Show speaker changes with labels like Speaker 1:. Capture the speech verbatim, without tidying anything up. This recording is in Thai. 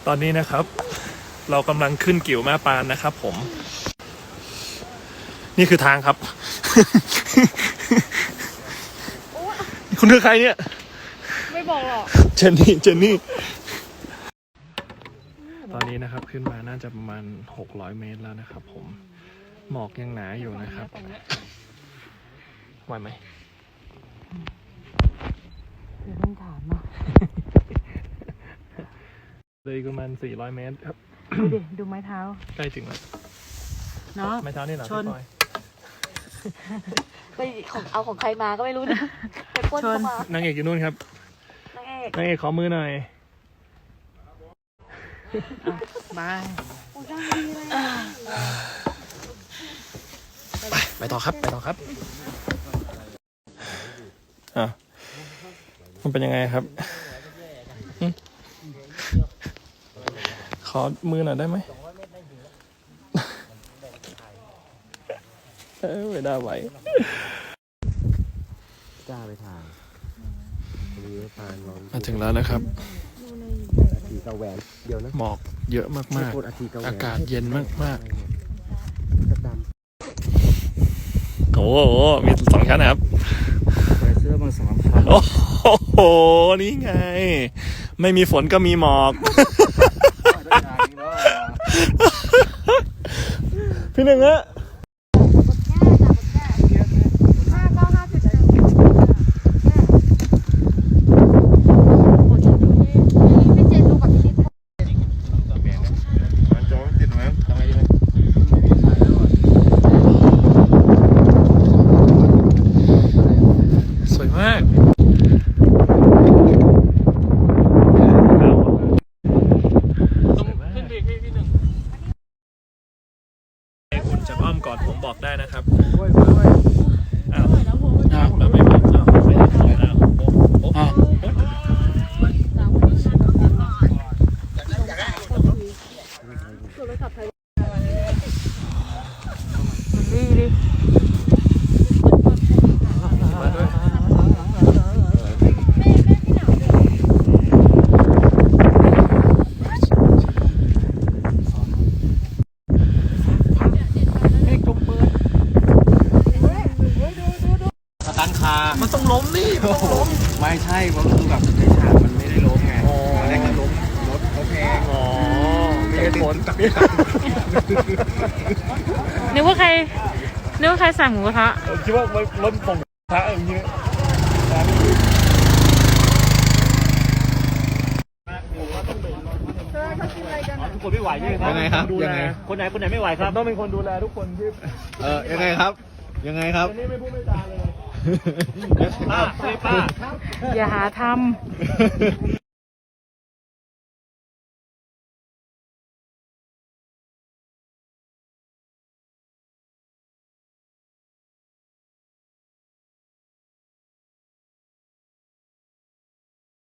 Speaker 1: ตอนนี้นะครับเรากำลังขึ้นกิ่วแม่ปานนะครับผมนี่คือทางครับ คุณคือใครเนี่ย
Speaker 2: ไม่บอกหรอก
Speaker 1: เจนนี่เจนนี่ตอนนี้นะครับขึ้นมาน่าจะประมาณหกร้อยเมตรแล้วนะครับผมหมอกยังหนาอยู่นะครับไหวไหม
Speaker 2: เดี๋ยวต้องถามเนาะ
Speaker 1: เลยประมาณสี่ร้อยเมตรครับ
Speaker 2: ดูดิดูไม้เท้า
Speaker 1: ใกล้ถึงแล้ว
Speaker 2: เนาะ
Speaker 1: ไม้เท้านี่เหรอพี่ปอย
Speaker 3: ไปของเอาของใครมาก็ไม่รู้นะไปปล้นเข้ามาน
Speaker 1: างเอกอยู่นู่นครับ
Speaker 3: นางเอก
Speaker 1: นางเอกขอมือหน่อย
Speaker 2: บาย
Speaker 3: โอ้ยดีเลย
Speaker 1: ไปไปต่อครับไปต่อครับอ่ะมันเป็นยังไงครับขอมือหน่อยได้ไหมเออไม่ได้ไหว
Speaker 4: กล้าไปทาง
Speaker 1: มาถึงแล้วนะครับ
Speaker 4: ทีกระแหวนเดียวนะ
Speaker 1: หมอกเยอะมากๆอากาศเย็นมากๆโอ้โหมีสองชั้นนะครับ
Speaker 4: ใส่เสื้อบางสามชั้น
Speaker 1: โอ้โหนี่ไงไม่มีฝนก็มีหมอกพี่หนึ่งอะอ้อมกอดผมบอกได้นะครับอ้าวอ้าวแล้วไม่บอกอ้าวไม่ได้อ้าวอ้าว
Speaker 2: ดีดิ
Speaker 1: มาด้วยมันต้องล้มนี่
Speaker 4: ไม่ใช่เพราะคือแบบในฉากมันไม่ได้ล้มไงมันได้แค่ล้มรถเขาแพง
Speaker 1: อ๋อมีเหตุผล
Speaker 2: นึกว่าใครนึกว่าใครสั่งหมูกระทะ
Speaker 1: คิดว่ารถผมพระอย่างนี้ทุกคนไม่ไหวใช่ไหมครับ
Speaker 4: ยังไงครับยังไง
Speaker 1: คนไหนคนไหนไม่ไหวครับต้องเป็นคนดูแลทุกคนที่
Speaker 4: เออยังไงครับยังไงครับ
Speaker 1: นี่ไม่พูดไม่จาเลยป้าป้า
Speaker 2: อย่าหาทำ